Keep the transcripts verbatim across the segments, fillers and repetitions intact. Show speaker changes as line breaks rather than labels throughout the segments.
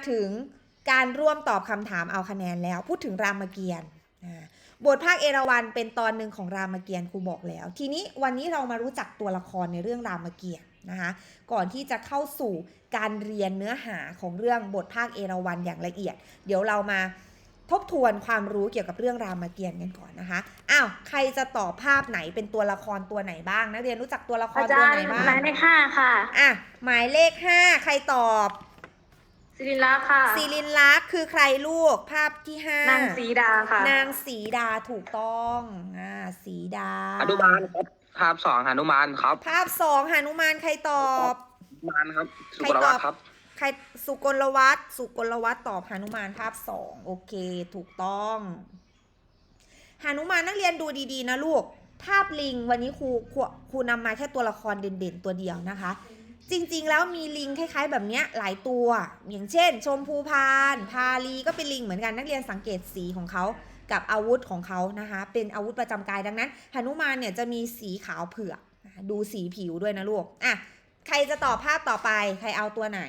ถึงการร่วมตอบคำถามเอาคะแนนแล้วพูดถึงรามเกียรติ์บทภาคเอราวัณเป็นตอนหนึ่งของรามเกียรติ์ครูบอกแล้วทีนี้วันนี้เรามารู้จักตัวละครในเรื่องรามเกียรติ์นะคะก่อนที่จะเข้าสู่การเรียนเนื้อหาของเรื่องบทภาคเอราวัณอย่างละเอียดเดี๋ยวเรามาทบทวนความรู้เกี่ยวกับเรื่องรามเกียรติ์กันก่อนนะคะอ้าวใครจะตอบภาพไหนเป็นตัวละครตัวไหนบ้างนักเรียนรู้จักตัวละครตัวไหนบ้าง
หมายเลขห้าค่ะ
อ่ะหมายเลขห้าใครตอบ
ศิริลักษณ์ค่ะ
ศิริลักษณ์คือใครลูกภาพที่ห้าน
างสีดาค่ะ
นางสีดาถูกต้องอ่าสีดา
หนุมานครับภาพสองหนุมานครับ
ภาพสองหนุมานใครตอบ
หนุมานครับสุกลวัฒน์ครับ
ใครสุกลวัฒน์สุกลวัฒน์ตอบหนุมานภาพสองโอเคถูกต้องหนุมานนักเรียนดูดีๆนะลูกภาพลิงวันนี้ครูครูครูนำมาแค่ตัวละครเด่นๆตัวเดียวนะคะจริงๆแล้วมีลิงคล้ายๆแบบนี้หลายตัวอย่างเช่นชมพูพานพาลีก็เป็นลิงเหมือนกันนักเรียนสังเกตสีของเขากับอาวุธของเขานะคะเป็นอาวุธประจำกายดังนั้นหนุมานเนี่ยจะมีสีขาวเผือกดูสีผิวด้วยนะลูกอ่ะใครจะตอบภาพต่อไปใครเอาตัวไหน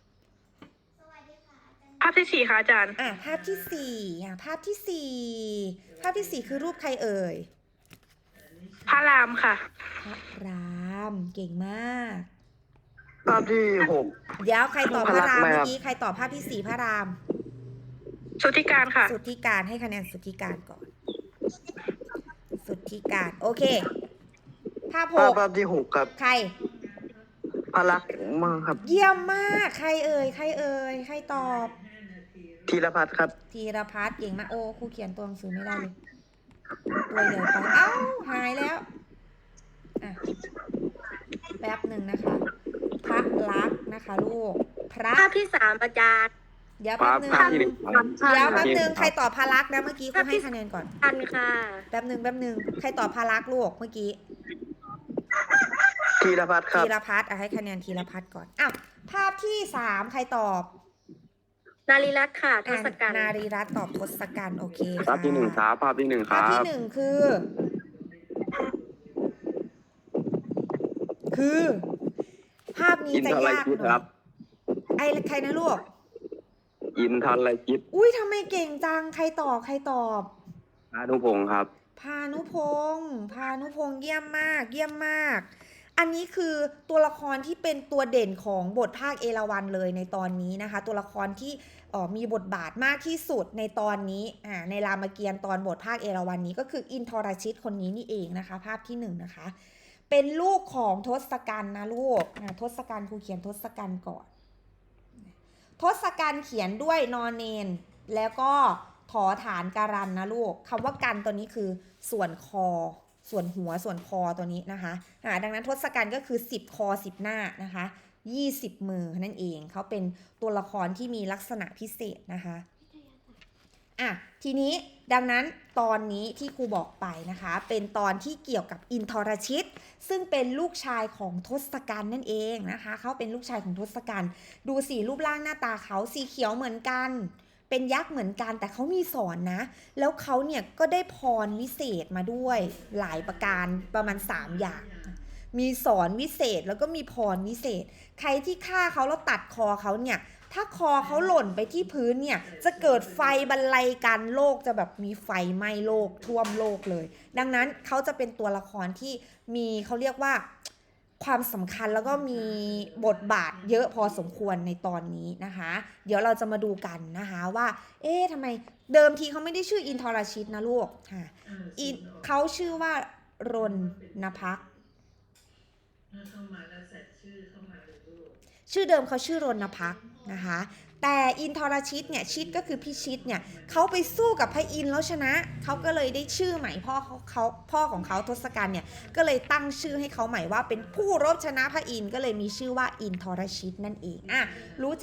ภาพที่สี่ค่ะอาจารย์
อ่ะภาพที่สี่อ่ะภาพที่สี่ภาพที่สี่คือรูปใครเอ่ย
พระรามค่ะ
พระรามเก่งมาก
ภาพที่หก
เดี๋ยวใครตอบพระรามเมื่อกี้ใครตอบภาพที่สี่พระราม
สุทธิการค่ะ
สุทธิการให้คะแนนสุทธิการก่อนสุทธิการโอเคภาพหก
ภาพที่หกครับ
ใคร
พระลักษณ์มากครับ
เยี่ยมมากใครเอ่ยใครเอ่ยใครตอบ
ธีรพัฒน์ครับ
ธีรพัฒน์เก่งมากโอ้ครูเขียนตัวหนังสือไม่ได้เลยตัวใหญ่ไปเอ้าหายแล้วอ่ะแป๊บหนึ่งนะคะพระลักษณ์นะคะลูกพระ
ภาพที่สามอาจารย์
เดี๋ยวแป๊บหนึ่งเดี๋ยวแป๊บหนึ่งใครตอบพระลักษณ์นะเมื่อกี้ครูให้คะแนนก่อน
อันค่ะ
แป๊บหนึ่งแป๊บหนึ่งใครตอบพระลักษณ์ลูกเมื่อกี้
ธีรพัฒน์ครับ
ธีรพัฒน์ให้คะแนนธีรพัฒน์ก่อนอ้าวภาพที่สามใครตอบ
นารีรัตน์ค่ะทศกัณฐ์
นารีรัตน์ตอบทศกัณฐ์โอเค
ภาพที่หนึ่งครับภาพที่หนึ่งครับ
ภาพที่หนึ่งคือคือภาพนี้จะยากหน่อยไอ้ใครนะลูก
อินทันไรคิด
อุ้ยทำไมเก่งจังใครตอบใครตอบ
พานุพงศ์ครับ
พานุพงศ์พานุพงศ์เยี่ยมมากเยี่ยมมากอันนี้คือตัวละครที่เป็นตัวเด่นของบทภาคเอราวัณเลยในตอนนี้นะคะตัวละครที่มีบทบาทมากที่สุดในตอนนี้ในรามเกียรติ์ตอนบทภาคเอราวัณนี้ก็คืออินทรชิตคนนี้นี่เองนะคะภาพที่หนึ่งนะคะเป็นลูกของทศกัณฐ์นะลูกทศกัณฐ์ครูเขียนทศกัณฐ์ก่อนทศกัณฐ์เขียนด้วยนอนเนนแล้วก็ถอฐานการันนะลูกคำว่ากันตัวนี้คือส่วนคอส่วนหัวส่วนคอตัวนี้นะคะอ่าดังนั้นทศกัณฐ์ก็คือสิบคอสิบหน้านะคะยี่สิบมือนั่นเองเขาเป็นตัวละครที่มีลักษณะพิเศษนะคะอ่ะทีนี้ดังนั้นตอนนี้ที่ครูบอกไปนะคะเป็นตอนที่เกี่ยวกับอินทรชิตซึ่งเป็นลูกชายของทศกัณฐ์นั่นเองนะคะเขาเป็นลูกชายของทศกัณฐ์ดูสีรูปร่างหน้าตาเขาสีเขียวเหมือนกันเป็นยักษ์เหมือนกันแต่เขามีสอนนะแล้วเขาเนี่ยก็ได้พรวิเศษมาด้วยหลายประการประมาณสามอย่างมีสอนวิเศษแล้วก็มีพรวิเศษใครที่ฆ่าเขาแล้วตัดคอเขาเนี่ยถ้าคอเขาหล่นไปที่พื้นเนี่ยจะเกิดไฟบรรลัยกันโลกจะแบบมีไฟไหม้โลกท่วมโลกเลยดังนั้นเขาจะเป็นตัวละครที่มีเขาเรียกว่าความสำคัญแล้วก็มีบทบาทเยอะพอสมควรในตอนนี้นะคะเดี๋ยวเราจะมาดูกันนะคะว่าเอ๊ะทำไมเดิมทีเขาไม่ได้ชื่ออินทรชิตนะลูกค่ะเขาชื่อว่ารณพักษ์ชื่อเดิมเขาชื่อรณพักษ์นะคะแต่อินทรชิตเนี่ยชิตก็คือพิชิตเนี่ยเขาไปสู้กับพระอินทร์แล้วชนะเขาก็เลยได้ชื่อใหม่พ่อเขาเขาพ่อของเขาทศกัณฐ์เนี่ยก็เลยตั้งชื่อให้เขาใหม่ว่าเป็นผู้รบชนะพระอินทร์ก็เลยมีชื่อว่าอินทรชิตนั่นเองอ่ะรู้